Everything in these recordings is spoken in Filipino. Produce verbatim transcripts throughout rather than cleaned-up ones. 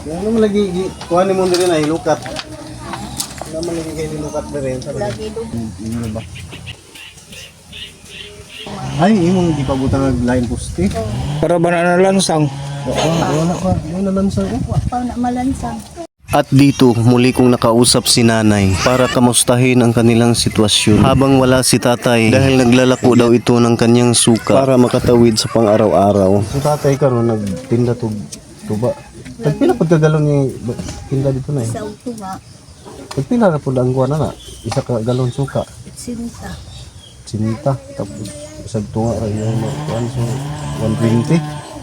Ano man lagi kuha ni mo diri na hilukat. Ano man lagi kay hilukat diri sa lagi do. Ano ba? Ay, imong gipabutang og line poste. Para ba na nalansang? Wala pa, wala lansang. Wa pa na malansang. At dito, muli kong nakausap si nanay para kamustahin ang kanilang sitwasyon. Habang wala si tatay dahil naglalako daw ito ng kanyang suka para makatawid sa pang-araw-araw. Si tatay karon nagtinda tug tuba. Pagpila pud galon ni tinda dito na eh. Sa uto nga, Pagpila ra pud ang kuha na na, isa ka galon suka. sinta. Sinita tapos isag tunga ra yung kuan so one twenty.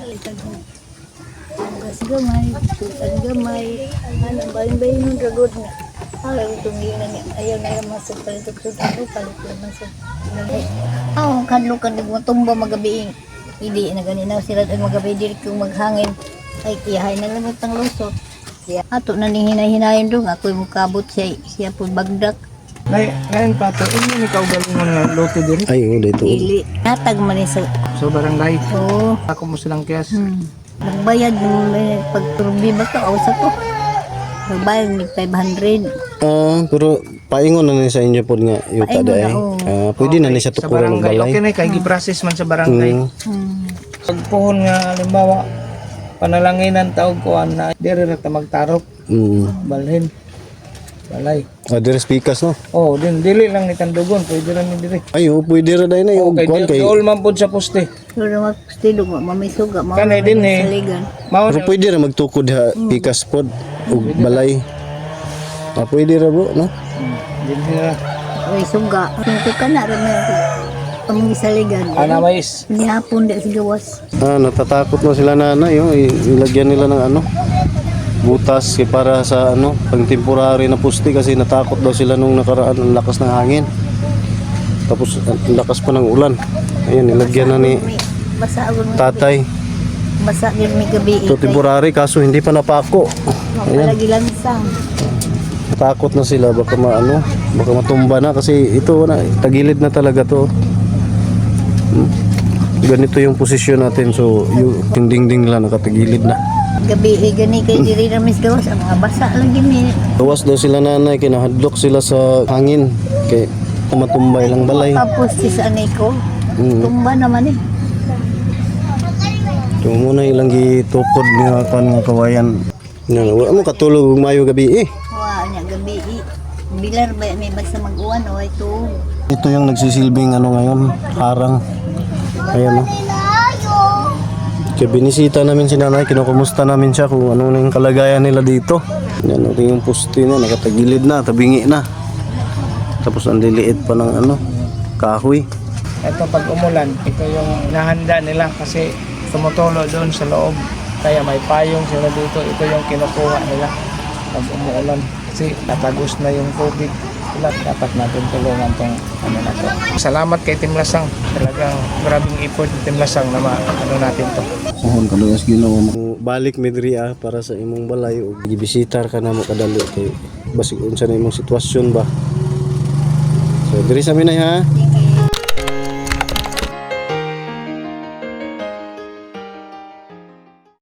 Gas gamay, tutan gamay. Ano ba yung bayin ng dragod na? Ayaw itong yun na niya. Ayaw na yung masuk palitok-tuk. Ano palitok masuk. Oo, kadlo ka mo tumba magabiing. Hindi na ganina sila ay magabi diri kung maghangin. Ay iyahay na lang itang lusot. Siya ato na ni hinay-hinayin doon. Ako'y mukabot siya. Siya po bagdak. Nay, ngayon pa to, ini ikaw galing mo na loto diri. Ay, oh, dito. Dili. Natag man sa... So barangay. Oo. Ako mo silang kiyas. Hmm. Nagbayad ng may pagturbi ba to? O sa to? Nagbayad ng five hundred. Ah, pero paingon na ni sa inyo pod nga yuta Paingon day. na, oo. Ah, pwede na ni sa Sa tukuran ng barangay. balay. Okay na, kay giprocess man sa barangay. Mm. Hmm. Pagpuhon nga, halimbawa, panalanginan taog ko na diri ra ta magtarok, Mm. balhin, balay. Ah, dire speakers no. Oh, din dili lang ni tandugon, pwede ra ni diri. Ay, oh, pwede ra day na yung Okay, kuan di kay. all man pud sa poste. Pero naman stilo mo, mamisuga, mo Kanay din eh. saligan. Mao Pero pwede ra magtukod ha pikas pod ug balay. Ah, pwede ra bro, no? din sila. Ay, suga. Ito ka na rin may pamang saligan. Ana mais. Nihapon di sa gawas. Ah, natatakot na sila nanay, oh. I- Ilagyan nila ng ano, butas kay para sa ano, pang temporary na puste kasi natakot daw sila nung nakaraan ang lakas ng hangin. Tapos ang lakas pa ng ulan. Ayun, nilagyan na ni Basa agad mo. tatay. Basa din may gabi. Ito temporary kaso hindi pa napako. Mapalagi lansang. Takot na sila baka maano, baka matumba na kasi ito na tagilid na talaga to. Hmm. Ganito yung posisyon natin so yung dingding nila nakatagilid na. Gabi eh gani kay diri ra mis gawas ang mga basa lagi ni. Gawas daw sila nanay, kinahadlok sila sa hangin kay matumbay lang balay. Tapos si sa anay ko. Mm. Tumba naman eh. So muna ilang gitukod nga kan nga kawayan. Nga wala mo katulog ug mayo gabi eh. Wa nya gabi eh. Bilar ba may basta mag-uwan o ito. Ito yung nagsisilbing ano ngayon, harang. Ayan o. Kaya binisita namin si nanay, kinukumusta namin siya kung ano na yung kalagayan nila dito. Yan ito yung puste na, nakatagilid na, tabingi na. Tapos ang liliit pa ng ano, kahoy. Ito pag umulan, ito yung nahanda nila kasi tumutulo doon sa loob. Kaya may payong sila dito, ito yung kinukuha nila pag umuulan. Kasi natagos na yung COVID. Sila dapat natin tulungan tong ano na to. Salamat kay Team Lasang. Talagang grabing effort ng Team Lasang na ma- ano natin to. Sahon kalugas Ginoo mo. Balik midri ah para sa imong balay ug gibisitar ka na mo kadali kay basig unsa na imong sitwasyon ba. So diri sa minay ha.